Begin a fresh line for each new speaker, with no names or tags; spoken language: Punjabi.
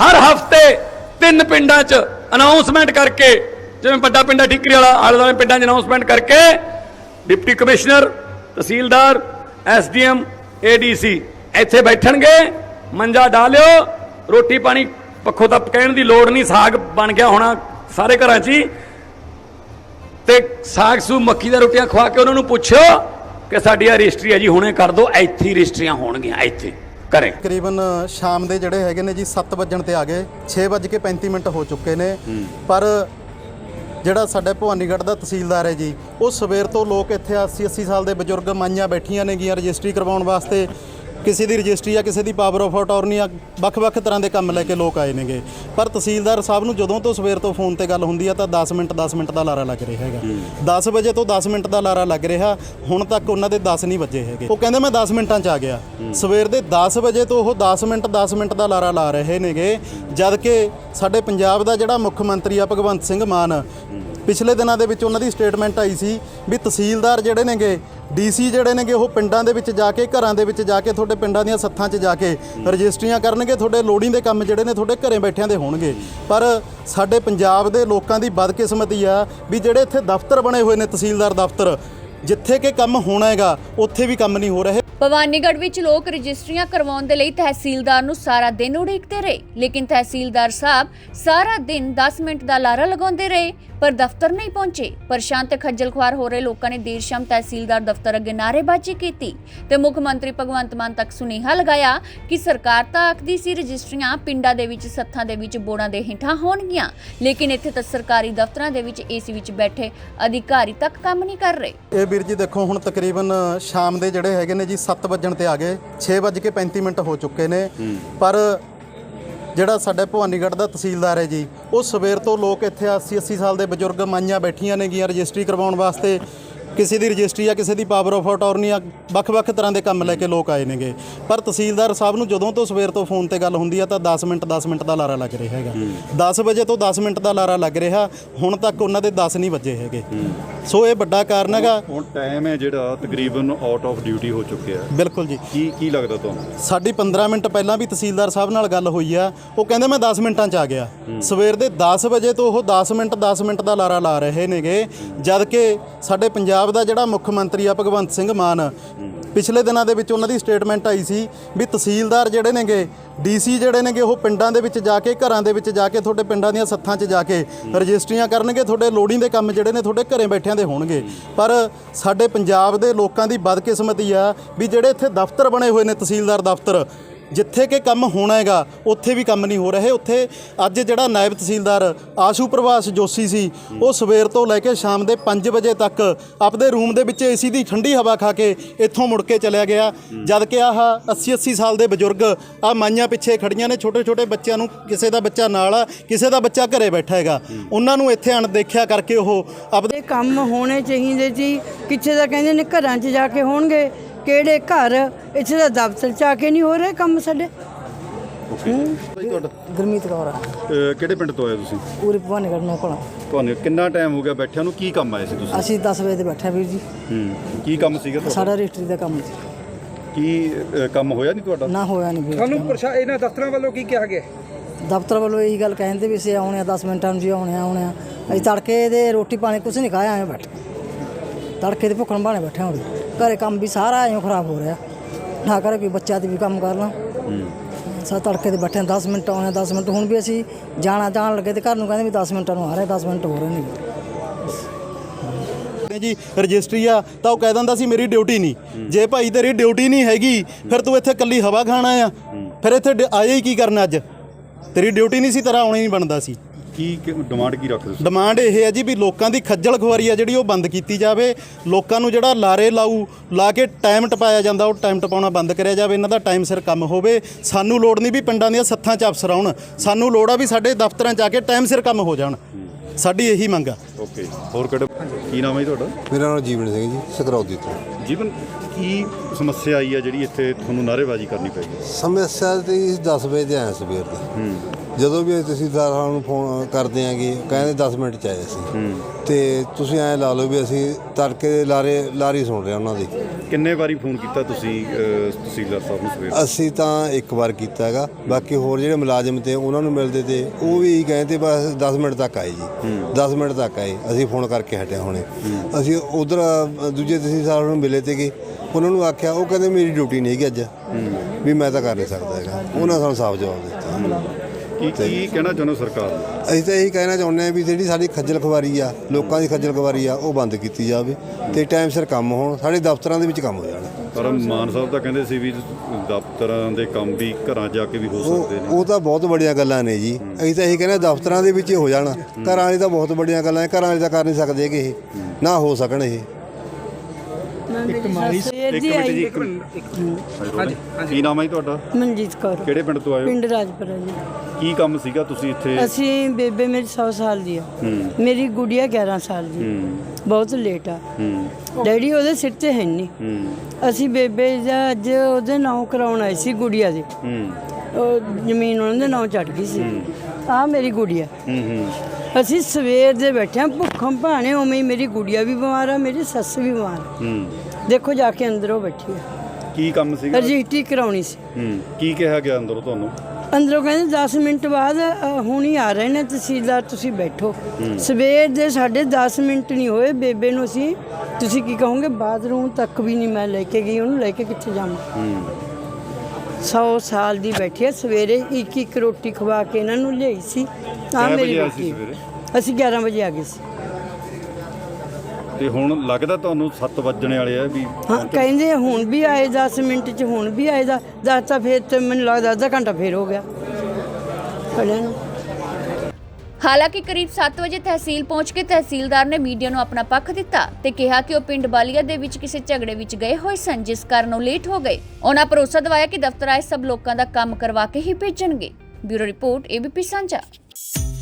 हर हफ्ते 3 पिंडां च अनाउंसमेंट करके, जिवें बड़ा पिंड ठीकरी वाला आले दुआले पिंडां च अनाउंसमेंट करके डिप्टी कमिश्नर, तहसीलदार, SDM, ADC ਇੱਥੇ बैठणगे, मंजा डालियो, रोटी पानी पक्खों ਤਾਂ ਕਹਿਣ ਦੀ ਲੋੜ नहीं, साग बन गया होना सारे घरां 'ਚ ही, ਤੇ ਸਾਗ ਸੂ ਮੱਕੀ ਦੀਆਂ ਰੋਟੀਆਂ ਖਵਾ ਕੇ ਉਹਨਾਂ ਨੂੰ ਪੁੱਛੋ ਕਿ ਸਾਡੀ ਰਜਿਸਟਰੀ ਹੈ ਜੀ ਹੁਣੇ ਕਰ ਦਿਓ, ਇੱਥੇ ਹੀ ਰਜਿਸਟਰੀਆਂ ਹੋਣਗੀਆਂ ਇੱਥੇ ਘਰੇ।
ਤਕਰੀਬਨ ਸ਼ਾਮ ਦੇ ਜਿਹੜੇ ਹੈਗੇ ਨੇ ਜੀ 7 ਵਜਣ ਤੇ ਆ ਗਏ, 6:35 ਹੋ ਚੁੱਕੇ ਨੇ, ਪਰ ਜਿਹੜਾ ਸਾਡੇ ਭਵਾਨੀਗੜ੍ਹ ਦਾ ਤਹਿਸੀਲਦਾਰ ਹੈ ਜੀ, ਉਹ ਸਵੇਰ ਤੋਂ ਲੋਕ ਇੱਥੇ 80 ਸਾਲ ਦੇ ਬਜ਼ੁਰਗ ਮਾਈਆਂ ਬੈਠੀਆਂ ਨੇਗੀਆਂ ਰਜਿਸਟਰੀ ਕਰਵਾਉਣ ਵਾਸਤੇ। ਕਿਸੇ ਦੀ ਰਜਿਸਟਰੀ ਆ, ਕਿਸੇ ਦੀ ਪਾਵਰ ਆਫ ਅਟਾਰਨੀ ਆ, ਵੱਖ-ਵੱਖ ਤਰ੍ਹਾਂ ਦੇ ਕੰਮ ਲੈ ਕੇ ਲੋਕ ਆਏ ਨੇਗੇ। ਪਰ ਤਹਿਸੀਲਦਾਰ ਸਾਹਿਬ ਨੂੰ ਜਦੋਂ ਤੋਂ ਸਵੇਰ ਤੋਂ ਫੋਨ ਤੇ ਗੱਲ ਹੁੰਦੀ ਆ ਤਾਂ 10 ਮਿੰਟ ਦਾ ਲਾਰਾ ਲੱਗ ਰਿਹਾ ਹੈਗਾ। 10 ਵਜੇ ਤੋਂ 10 ਮਿੰਟ ਦਾ ਲਾਰਾ ਲੱਗ ਰਿਹਾ, ਹੁਣ ਤੱਕ ਉਹਨਾਂ ਦੇ 10 ਨਹੀਂ ਵੱਜੇ ਹੈਗੇ। ਉਹ ਕਹਿੰਦੇ ਮੈਂ 10 ਮਿੰਟਾਂ 'ਚ ਆ ਗਿਆ। ਸਵੇਰ ਦੇ 10 ਵਜੇ ਤੋਂ ਉਹ 10 ਮਿੰਟ ਦਾ ਲਾਰਾ ਲਾ ਰਹੇ ਨੇਗੇ, ਜਦ ਕਿ ਸਾਡੇ ਪੰਜਾਬ ਦਾ ਜਿਹੜਾ ਮੁੱਖ ਮੰਤਰੀ ਆ ਭਗਵੰਤ ਸਿੰਘ ਮਾਨ, ਪਿਛਲੇ ਦਿਨਾਂ ਦੇ ਵਿੱਚ ਉਹਨਾਂ ਦੀ ਸਟੇਟਮੈਂਟ ਆਈ ਸੀ ਵੀ ਤਹਿਸੀਲਦਾਰ ਜਿਹੜੇ ਨੇਗੇ, DC ਜਿਹੜੇ ਨੇਗੇ, ਉਹ ਪਿੰਡਾਂ ਦੇ ਵਿੱਚ ਜਾ ਕੇ, ਘਰਾਂ ਦੇ ਵਿੱਚ ਜਾ ਕੇ, ਤੁਹਾਡੇ ਪਿੰਡਾਂ ਦੀਆਂ ਸੱਥਾਂ 'ਚ ਜਾ ਕੇ ਰਜਿਸਟਰੀਆਂ ਕਰਨਗੇ, ਤੁਹਾਡੇ ਲੋੜੀਂਦੇ ਕੰਮ ਜਿਹੜੇ ਨੇ ਤੁਹਾਡੇ ਘਰੇ ਬੈਠਿਆਂ ਦੇ ਹੋਣਗੇ। ਪਰ ਸਾਡੇ ਪੰਜਾਬ ਦੇ ਲੋਕਾਂ ਦੀ ਬਦਕਿਸਮਤੀ ਆ ਵੀ ਜਿਹੜੇ ਇੱਥੇ ਦਫ਼ਤਰ ਬਣੇ ਹੋਏ ਨੇ, ਤਹਿਸੀਲਦਾਰ ਦਫ਼ਤਰ, ਜਿੱਥੇ ਕਿ ਕੰਮ ਹੋਣਾ ਹੈਗਾ ਉੱਥੇ ਵੀ ਕੰਮ ਨਹੀਂ ਹੋ ਰਹੇ।
ਭਵਾਨੀਗੜ੍ਹ ਵਿੱਚ ਲੋਕ ਰਜਿਸਟਰੀਆਂ ਕਰਵਾਉਣ ਦੇ ਲਈ ਤਹਿਸੀਲਦਾਰ ਨੂੰ ਸਾਰਾ ਦਿਨ ਉਡੀਕਦੇ ਰਹੇ, ਲੇਕਿਨ ਤਹਿਸੀਲਦਾਰ ਸਾਹਿਬ ਸਾਰਾ ਦਿਨ 10 ਮਿੰਟ ਦਾ ਲਾਰਾ ਲਗਾਉਂਦੇ ਰਹੇ ਪਰ ਦਫ਼ਤਰ ਨਹੀਂ ਪਹੁੰਚੇ। ਪਰੇਸ਼ਾਨ ਤੇ ਖੱਜਲ ਖੁਆਰ ਹੋ ਰਹੇ ਲੋਕਾਂ ਨੇ ਦੇਰ ਸ਼ਾਮ ਤਹਿਸੀਲਦਾਰ ਦਫ਼ਤਰ ਅੱਗੇ ਨਾਅਰੇਬਾਜ਼ੀ ਕੀਤੀ ਤੇ ਮੁੱਖ ਮੰਤਰੀ ਭਗਵੰਤ ਮਾਨ ਤੱਕ ਸੁਨੇਹਾ ਲਗਾਇਆ ਕਿ ਸਰਕਾਰ ਤਾਂ ਆਖਦੀ ਸੀ ਰਜਿਸਟਰੀਆਂ ਪਿੰਡਾਂ ਦੇ ਵਿੱਚ, ਸੱਥਾਂ ਦੇ ਵਿੱਚ, ਬੋੜਾਂ ਦੇ ਹੇਠਾਂ ਹੋਣਗੀਆਂ, ਲੇਕਿਨ ਇੱਥੇ ਤਾਂ ਸਰਕਾਰੀ ਦਫ਼ਤਰਾਂ ਦੇ ਵਿੱਚ AC ਵਿੱਚ ਬੈਠੇ ਅਧਿਕਾਰੀ ਤੱਕ ਕੰਮ ਨਹੀਂ ਕਰ ਰਹੇ।
ਇਹ ਵੀਰ ਜੀ ਦੇਖੋ, ਹੁਣ ਤਕਰੀਬਨ ਸ਼ਾਮ ਦੇ ਜਿਹੜੇ ਹੈਗੇ ਨੇ ਜੀ 7 ਵਜਣ ਤੇ ਆ ਗਏ, 6:35 ਹੋ ਚੁੱਕੇ ਨੇ, ਪਰ ਜਿਹੜਾ ਸਾਡੇ ਭਵਾਨੀਗੜ੍ਹ ਦਾ ਤਹਿਸੀਲਦਾਰ ਹੈ ਜੀ, ਉਹ ਸਵੇਰ ਤੋਂ ਲੋਕ ਇੱਥੇ 80 ਸਾਲ ਦੇ ਬਜ਼ੁਰਗ ਮਾਈਆਂ ਬੈਠੀਆਂ ਨੇਗੀਆਂ ਰਜਿਸਟਰੀ ਕਰਵਾਉਣ ਵਾਸਤੇ। ਕਿਸੇ ਦੀ ਰਜਿਸਟਰੀ ਆ, ਕਿਸੇ ਦੀ ਪਾਵਰ ਆਫ ਅਟਾਰਨੀ ਆ, ਵੱਖ-ਵੱਖ ਤਰ੍ਹਾਂ ਦੇ ਕੰਮ ਲੈ ਕੇ ਲੋਕ ਆਏ ਨੇਗੇ। ਪਰ ਤਹਿਸੀਲਦਾਰ ਸਾਹਿਬ ਨੂੰ ਜਦੋਂ ਤੋਂ ਸਵੇਰ ਤੋਂ ਫੋਨ ਤੇ ਗੱਲ ਹੁੰਦੀ ਆ ਤਾਂ 10 ਮਿੰਟ ਦਾ ਲਾਰਾ ਲੱਗ ਰਿਹਾ ਹੈਗਾ। 10 ਵਜੇ ਤੋਂ 10 ਮਿੰਟ ਦਾ ਲਾਰਾ ਲੱਗ ਰਿਹਾ, ਹੁਣ ਤੱਕ ਉਹਨਾਂ ਦੇ 10 ਨਹੀਂ ਵੱਜੇ ਹੈਗੇ। ਸੋ ਇਹ ਵੱਡਾ ਕਾਰਨ ਹੈਗਾ।
ਹੁਣ ਟਾਈਮ ਹੈ ਜਿਹੜਾ ਤਕਰੀਬਨ ਆਊਟ ਆਫ ਡਿਊਟੀ ਹੋ ਚੁੱਕਿਆ।
ਬਿਲਕੁਲ ਜੀ।
ਕੀ ਲੱਗਦਾ ਤੁਹਾਨੂੰ?
ਸਾਡੀ 15 ਮਿੰਟ ਪਹਿਲਾਂ ਵੀ ਤਹਿਸੀਲਦਾਰ ਸਾਹਿਬ ਨਾਲ ਗੱਲ ਹੋਈ ਆ, ਉਹ ਕਹਿੰਦੇ ਮੈਂ 10 ਮਿੰਟਾਂ 'ਚ ਆ ਗਿਆ। ਸਵੇਰ ਦੇ 10 ਵਜੇ ਤੋਂ ਉਹ 10 ਮਿੰਟ ਦਾ ਲਾਰਾ ਲਾ ਰਹੇ ਨੇਗੇ, ਜਦ ਕਿ ਸਾਡੇ ਪੰਜਾਬ ਦਾ ਜਿਹੜਾ ਮੁੱਖ ਮੰਤਰੀ ਆ ਭਗਵੰਤ ਸਿੰਘ ਮਾਨ, ਪਿਛਲੇ ਦਿਨਾਂ ਦੇ ਵਿੱਚ ਉਹਨਾਂ ਦੀ ਸਟੇਟਮੈਂਟ ਆਈ ਸੀ ਵੀ ਤਹਿਸੀਲਦਾਰ ਜਿਹੜੇ ਨੇਗੇ, DC ਜਿਹੜੇ ਨੇਗੇ, ਉਹ ਪਿੰਡਾਂ ਦੇ ਵਿੱਚ ਜਾ ਕੇ, ਘਰਾਂ ਦੇ ਵਿੱਚ ਜਾ ਕੇ, ਤੁਹਾਡੇ ਪਿੰਡਾਂ ਦੀਆਂ ਸੱਥਾਂ 'ਚ ਜਾ ਕੇ ਰਜਿਸਟਰੀਆਂ ਕਰਨਗੇ, ਤੁਹਾਡੇ ਲੋੜੀਂਦੇ ਕੰਮ ਜਿਹੜੇ ਨੇ ਤੁਹਾਡੇ ਘਰੇ ਬੈਠਿਆਂ ਦੇ ਹੋਣਗੇ। ਪਰ ਸਾਡੇ ਪੰਜਾਬ ਦੇ ਲੋਕਾਂ ਦੀ ਬਦਕਿਸਮਤੀ ਆ ਵੀ ਜਿਹੜੇ ਇੱਥੇ ਦਫ਼ਤਰ ਬਣੇ ਹੋਏ ਨੇ, ਤਹਿਸੀਲਦਾਰ ਦਫ਼ਤਰ, ਜਿੱਥੇ ਕਿ ਕੰਮ ਹੋਣਾ ਹੈਗਾ ਉੱਥੇ ਵੀ ਕੰਮ ਨਹੀਂ ਹੋ ਰਹੇ। ਉੱਥੇ ਅੱਜ ਜਿਹੜਾ ਨਾਇਬ ਤਹਿਸੀਲਦਾਰ ਆਸ਼ੂ ਪ੍ਰਭਾਸ ਜੋਸ਼ੀ ਸੀ, ਉਹ ਸਵੇਰ ਤੋਂ ਲੈ ਕੇ ਸ਼ਾਮ ਦੇ 5 ਵਜੇ ਤੱਕ ਆਪਦੇ ਰੂਮ ਦੇ ਵਿੱਚ AC ਦੀ ਠੰਡੀ ਹਵਾ ਖਾ ਕੇ ਇੱਥੋਂ ਮੁੜ ਕੇ ਚਲਿਆ ਗਿਆ, ਜਦ ਕਿ ਆਹ 80 ਸਾਲ ਦੇ ਬਜ਼ੁਰਗ ਆ ਮਾਈਆਂ ਪਿੱਛੇ ਖੜੀਆਂ ਨੇ, ਛੋਟੇ ਬੱਚਿਆਂ ਨੂੰ, ਕਿਸੇ ਦਾ ਬੱਚਾ ਨਾਲ ਆ, ਕਿਸੇ ਦਾ ਬੱਚਾ ਘਰੇ ਬੈਠਾ ਹੈਗਾ, ਉਹਨਾਂ ਨੂੰ ਇੱਥੇ ਅਣਦੇਖਿਆ ਕਰਕੇ ਉਹ ਆਪਦੇ
ਕੰਮ ਹੋਣੇ ਚਾਹੀਦੇ ਜੀ। ਕਿਸੇ ਦਾ ਕਹਿੰਦੇ ਨੇ ਘਰਾਂ 'ਚ ਜਾ ਕੇ ਹੋਣਗੇ, ਕਿਹੜੇ ਘਰ, ਇੱਥੇ ਦਾ ਦਫ਼ਤਰ 'ਚ ਆ ਕੇ ਨਹੀਂ ਹੋ ਰਹੇ ਕੰਮ ਸਾਡੇ।
ਤੁਹਾਡਾ
ਗੁਰਮੀਤ ਕੌਰ ਆ।
ਕਿਹੜੇ ਪਿੰਡ ਤੋਂ ਆਏ ਤੁਸੀਂ?
ਪੂਰੇ ਭਵਾਨੀਗੜ੍ਹ ਨੂੰ ਕੋਲ।
ਤੁਹਾਨੂੰ ਕਿੰਨਾ ਟਾਈਮ ਹੋ ਗਿਆ ਬੈਠਿਆਂ ਨੂੰ? ਕੀ ਕੰਮ ਆਏ ਸੀ ਤੁਸੀਂ?
ਅਸੀਂ 10 ਵਜੇ ਤੇ ਬੈਠੇ ਵੀਰ ਜੀ।
ਕੀ ਕੰਮ ਸੀਗਾ ਤੁਹਾਡਾ?
ਸਾਡਾ ਰਜਿਸਟਰੀ ਦਾ ਕੰਮ ਸੀ।
ਕੀ ਕੰਮ ਹੋਇਆ ਨਹੀਂ ਤੁਹਾਡਾ?
ਨਾ ਹੋਇਆ ਨਹੀਂ ਵੀਰ।
ਤੁਹਾਨੂੰ ਇਹਨਾਂ ਦਫ਼ਤਰਾਂ ਵੱਲੋਂ ਕੀ ਕਿਹਾ ਗਿਆ?
ਦਫ਼ਤਰ ਵੱਲੋਂ ਇਹੀ ਗੱਲ ਕਹਿੰਦੇ ਵੀ ਅਸੀਂ ਆਉਣੇ ਆ 10 ਮਿੰਟਾਂ ਨੂੰ ਜੀ, ਆਉਣੇ ਆ। ਅਸੀਂ ਤੜਕੇ ਦੇ ਰੋਟੀ ਪਾਣੀ ਕੁਛ ਨਹੀਂ ਖਾਇਆ, ਐਂ ਬੈਠੇ ਤੜਕੇ ਦੇ ਭੁੱਖਣ ਭਾਣੇ ਬੈਠੇ ਹੁਣ। ਘਰੇ ਕੰਮ ਵੀ ਸਾਰਾ ਐਂ ਖਰਾਬ ਹੋ ਰਿਹਾ, ਨਾ ਕਰੇ ਕੋਈ ਬੱਚਾ ਤੇ ਵੀ ਕੰਮ ਕਰਨਾ। ਸਾ ਤੜਕੇ ਦੇ ਬੈਠੇ 10 ਮਿੰਟ ਆਉਣੇ, 10 ਮਿੰਟ। ਹੁਣ ਵੀ ਅਸੀਂ ਜਾਣ ਲੱਗੇ ਤੇ ਘਰ ਨੂੰ ਕਹਿੰਦੇ ਵੀ 10 ਮਿੰਟਾਂ ਨੂੰ ਆ ਰਹੇ, 10 ਮਿੰਟ ਹੋ ਰਹੇ ਨੇ
ਜੀ। ਰਜਿਸਟਰੀ ਆ ਤਾਂ ਉਹ ਕਹਿ ਦਿੰਦਾ ਸੀ ਮੇਰੀ ਡਿਊਟੀ ਨਹੀਂ। ਜੇ ਭਾਈ ਤੇਰੀ ਡਿਊਟੀ ਨਹੀਂ ਹੈਗੀ ਫਿਰ ਤੂੰ ਇੱਥੇ ਇਕੱਲੀ ਹਵਾ ਖਾਣਾ ਆ, ਫਿਰ ਇੱਥੇ ਆਏ ਹੀ ਕੀ ਕਰਨਾ? ਅੱਜ ਤੇਰੀ ਡਿਊਟੀ ਨਹੀਂ ਸੀ, ਤੇਰਾ ਆਉਣਾ ਹੀ ਨਹੀਂ ਬਣਦਾ ਸੀ।
ਕੀ ਡਿਮਾਂਡ ਕੀ ਰੱਖਦੇ ਤੁਸੀਂ?
ਡਿਮਾਂਡ ਇਹ ਹੈ ਜੀ ਵੀ ਲੋਕਾਂ ਦੀ ਖੱਜਲ ਖੁਆਰੀ ਆ ਜਿਹੜੀ ਉਹ ਬੰਦ ਕੀਤੀ ਜਾਵੇ। ਲੋਕਾਂ ਨੂੰ ਜਿਹੜਾ ਲਾਰੇ ਲਾ ਕੇ ਟਾਈਮ ਟਪਾਇਆ ਜਾਂਦਾ, ਉਹ ਟਾਈਮ ਟਪਾਉਣਾ ਬੰਦ ਕਰਿਆ ਜਾਵੇ। ਇਹਨਾਂ ਦਾ ਟਾਈਮ ਸਿਰ ਕੰਮ ਹੋਵੇ। ਸਾਨੂੰ ਲੋੜ ਨਹੀਂ ਵੀ ਪਿੰਡਾਂ ਦੀਆਂ ਸੱਥਾਂ 'ਚ ਅਫਸਰ ਆਉਣ, ਸਾਨੂੰ ਲੋੜ ਆ ਵੀ ਸਾਡੇ ਦਫ਼ਤਰਾਂ 'ਚ ਆ ਕੇ ਟਾਈਮ ਸਿਰ ਕੰਮ ਹੋ ਜਾਣ। ਸਾਡੀ ਇਹੀ ਮੰਗ ਆ।
ਓਕੇ, ਹੋਰ ਕਿਹੜਾ? ਕੀ ਨਾਮ ਹੈ ਜੀ ਤੁਹਾਡਾ?
ਮੇਰਾ ਨਾਮ ਜੀਵਨ ਸਿੰਘ ਜੀ, ਸਕਰੌਦੀ ਤੋਂ।
ਜੀਵਨ, ਕੀ ਸਮੱਸਿਆ ਆਈ ਹੈ ਜਿਹੜੀ ਇੱਥੇ ਤੁਹਾਨੂੰ ਨਾਅਰੇਬਾਜ਼ੀ ਕਰਨੀ ਪਈ?
ਸਮੱਸਿਆ ਤੇ 10 ਵਜੇ ਦੇ ਆਏ ਸਵੇਰ ਦੇ। ਜਦੋਂ ਵੀ ਤਹਿਸੀਲਦਾਰਾਂ ਨੂੰ ਫੋਨ ਕਰਦੇ ਆਂਗੇ ਕਹਿੰਦੇ 10 ਮਿੰਟ 'ਚ ਆਏ ਅਸੀਂ। ਤੇ ਤੁਸੀਂ ਐਂ ਲਾ ਲਓ ਵੀ ਅਸੀਂ ਤੜਕੇ ਦੇ ਲਾਰੀ ਸੁਣ ਰਹੇ ਉਹਨਾਂ ਦੀ।
ਕਿੰਨੇ ਵਾਰੀ ਫੋਨ ਕੀਤਾ ਤੁਸੀਂ ਤਹਿਸੀਲਦਾਰ ਸਾਹਿਬ ਨੂੰ ਸਵੇਰ?
ਅਸੀਂ ਤਾਂ ਇੱਕ ਵਾਰ ਕੀਤਾ ਹੈਗਾ, ਬਾਕੀ ਹੋਰ ਜਿਹੜੇ ਮੁਲਾਜ਼ਮ ਤੇ ਉਹਨਾਂ ਨੂੰ ਮਿਲਦੇ ਤੇ ਉਹ ਵੀ ਇਹੀ ਕਹਿੰਦੇ ਬਸ 10 ਮਿੰਟ ਤੱਕ ਆਏ ਜੀ। 10 ਮਿੰਟ ਤੱਕ ਆਏ, ਅਸੀਂ ਫੋਨ ਕਰਕੇ ਹਟਿਆ ਹੁਣੇ। ਅਸੀਂ ਉਧਰ ਦੂਜੇ ਤਹਿਸੀਲਦਾਰ ਨੂੰ ਮਿਲੇ ਤੇ ਉਹਨਾਂ ਨੂੰ ਆਖਿਆ, ਉਹ ਕਹਿੰਦੇ ਮੇਰੀ ਡਿਊਟੀ ਨਹੀਂ ਹੈਗੀ ਅੱਜ, ਵੀ ਮੈਂ ਤਾਂ ਕਰ ਨਹੀਂ ਸਕਦਾ ਹੈਗਾ। ਉਹਨਾਂ ਸਾਨੂੰ ਸਾਫ਼ ਜਵਾਬ ਦਿੱਤਾ।
ਕੀ ਕਹਿਣਾ ਚਾਹੁੰਦੇ ਸਰਕਾਰ ਨੂੰ?
ਅਸੀਂ ਤਾਂ ਇਹੀ ਕਹਿਣਾ ਚਾਹੁੰਦੇ ਹਾਂ ਵੀ ਜਿਹੜੀ ਸਾਡੀ ਖੱਜਲ ਖਵਾਰੀ ਆ, ਲੋਕਾਂ ਦੀ ਖੱਜਲ ਖਵਾਰੀ ਆ, ਉਹ ਬੰਦ ਕੀਤੀ ਜਾਵੇ ਤੇ ਟਾਈਮ ਸਿਰ ਕੰਮ ਹੋਣ, ਸਾਡੇ ਦਫ਼ਤਰਾਂ ਦੇ ਵਿੱਚ ਕੰਮ ਹੋ ਜਾਣ।
ਪਰ ਮਾਨ ਸਾਹਿਬ ਤਾਂ ਕਹਿੰਦੇ ਸੀ ਵੀ ਦਫ਼ਤਰਾਂ ਦੇ ਕੰਮ ਵੀ ਘਰਾਂ ਜਾ ਕੇ ਵੀ ਹੋ ਸਕਦੇ ਨੇ।
ਉਹ ਤਾਂ ਬਹੁਤ ਵੱਡੀਆਂ ਗੱਲਾਂ ਨੇ ਜੀ। ਅਸੀਂ ਤਾਂ ਇਹੀ ਕਹਿੰਦੇ ਦਫ਼ਤਰਾਂ ਦੇ ਵਿੱਚ ਹੀ ਹੋ ਜਾਣ। ਘਰਾਂ ਵਾਲੀ ਤਾਂ ਬਹੁਤ ਵੱਡੀਆਂ ਗੱਲਾਂ, ਘਰਾਂ ਵਾਲੀ ਤਾਂ ਕਰ ਨਹੀਂ ਸਕਦੇ ਕਿ ਇਹ ਨਾ ਹੋ ਸਕਣ। ਇਹ
ਕੀ ਨਾਮ ਹੈ ਜੀ ਤੁਹਾਡਾ?
ਮਨਜੀਤ ਕੌਰ,
ਕਿਹੜੇ ਪਿੰਡ ਤੋਂ ਆਏ ਹੋ?
ਪਿੰਡ ਰਾਜਪੁਰਾ ਜੀ।
ਕੀ ਕੰਮ ਸੀਗਾ ਤੁਸੀਂ ਇੱਥੇ?
ਅਸੀਂ ਬੇਬੇ ਮੇਰੀ 100 ਸਾਲ ਦੀ ਆ, ਮੇਰੀ ਗੁੜੀਆ 11 ਸਾਲ ਦੀ, ਬਹੁਤ ਲੇਟ ਆ। ਡੈਡੀ ਉਹਦੇ ਸਿਰ ਤੇ ਹੈ ਨਹੀਂ। ਅਸੀਂ ਬੇਬੇ ਦਾ ਅੱਜ ਉਹਦੇ ਨਾਂ ਕਰਾਉਣ ਆਏ ਸੀ, ਗੁੜੀਆ ਦੇ। ਉਹ ਜ਼ਮੀਨ ਉਹਨਾਂ ਦੇ ਨਾਂ ਚੜ ਗਈ ਸੀ। ਆ ਮੇਰੀ ਗੁੜੀਆ। ਅਸੀਂ ਸਵੇਰ ਦੇ ਬੈਠੇ ਹਾਂ ਭੁੱਖਾਂ ਭਾਣੇ, ਉਵੇਂ ਹੀ ਮੇਰੀ ਗੁੜੀਆ ਵੀ ਬਿਮਾਰ ਆ, ਮੇਰੀ ਸੱਸ ਵੀ ਬਿਮਾਰ ਆ। ਦੇਖੋ ਜਾ ਕੇ ਅੰਦਰ ਉਹ ਬੈਠੀ ਆ।
ਕੀ ਕੰਮ ਸੀਗਾ?
ਰਜਿਸਟਰੀ ਕਰਾਉਣੀ ਸੀ।
ਕੀ ਕਿਹਾ ਗਿਆ ਅੰਦਰੋਂ ਤੁਹਾਨੂੰ?
ਅੰਦਰੋਂ ਕਹਿੰਦੇ 10 ਮਿੰਟ ਬਾਅਦ ਹੁਣ ਹੀ ਆ ਰਹੇ ਨੇ ਤਹਿਸੀਲਦਾਰ, ਤੁਸੀਂ ਬੈਠੋ। ਸਵੇਰ ਦੇ ਸਾਡੇ 10 ਮਿੰਟ ਨਹੀਂ ਹੋਏ, ਬੇਬੇ ਨੂੰ ਅਸੀਂ, ਤੁਸੀਂ ਕੀ ਕਹੋਗੇ, ਬਾਥਰੂਮ ਤੱਕ ਵੀ ਨਹੀਂ ਮੈਂ ਲੈ ਕੇ ਗਈ। ਉਹਨੂੰ ਲੈ ਕੇ ਕਿੱਥੇ ਜਾਵਾਂ? 100 ਸਾਲ ਦੀ ਬੈਠੀ ਆ। ਸਵੇਰੇ ਇੱਕ ਰੋਟੀ ਖਵਾ ਕੇ ਇਹਨਾਂ ਨੂੰ ਲਿਆਈ ਸੀ। ਆ ਮੇਰੀ ਰੋਟੀ। ਅਸੀਂ 11 ਵਜੇ ਆ ਗਏ ਸੀ।
ਤੇ ਹੁਣ ਲੱਗਦਾ ਤੁਹਾਨੂੰ 7 ਵੱਜਣੇ ਵਾਲੇ ਆ ਵੀ?
ਹਾਂ, ਕਹਿੰਦੇ ਹੁਣ ਵੀ ਆਏ 10 ਮਿੰਟ 'ਚ, ਹੁਣ ਵੀ ਆਏ ਦਾ 10 ਤਾਂ ਫਿਰ ਤੇ ਮੈਨੂੰ ਲੱਗਦਾ ਅੱਧਾ ਘੰਟਾ ਫੇਰ ਹੋ ਗਿਆ ਖੜਿਆਂ ਨੂੰ।
ਹਾਲਾਂਕਿ ਕਰੀਬ 7 ਵਜੇ ਤਹਿਸੀਲ ਪਹੁੰਚ ਕੇ ਤਹਿਸੀਲਦਾਰ ਨੇ ਮੀਡੀਆ ਨੂੰ ਆਪਣਾ ਪੱਖ ਦਿੱਤਾ ਤੇ ਕਿਹਾ ਕਿ ਉਹ ਪਿੰਡ ਬਾਲੀਆ ਦੇ ਵਿੱਚ ਕਿਸੇ ਝਗੜੇ ਵਿੱਚ ਗਏ ਹੋਏ ਸਨ, ਜਿਸ ਕਾਰਨ ਉਹ ਲੇਟ ਹੋ ਗਏ। ਉਹਨਾਂ ਭਰੋਸਾ ਦਿਵਾਇਆ ਕਿ ਦਫ਼ਤਰ ਆਏ ਸਭ ਲੋਕਾਂ ਦਾ ਕੰਮ ਕਰਵਾ ਕੇ ਹੀ ਭੇਜਣਗੇ। ਬਿਊਰੋ ਰਿਪੋਰਟ, ABP ਸਾਂਝਾ।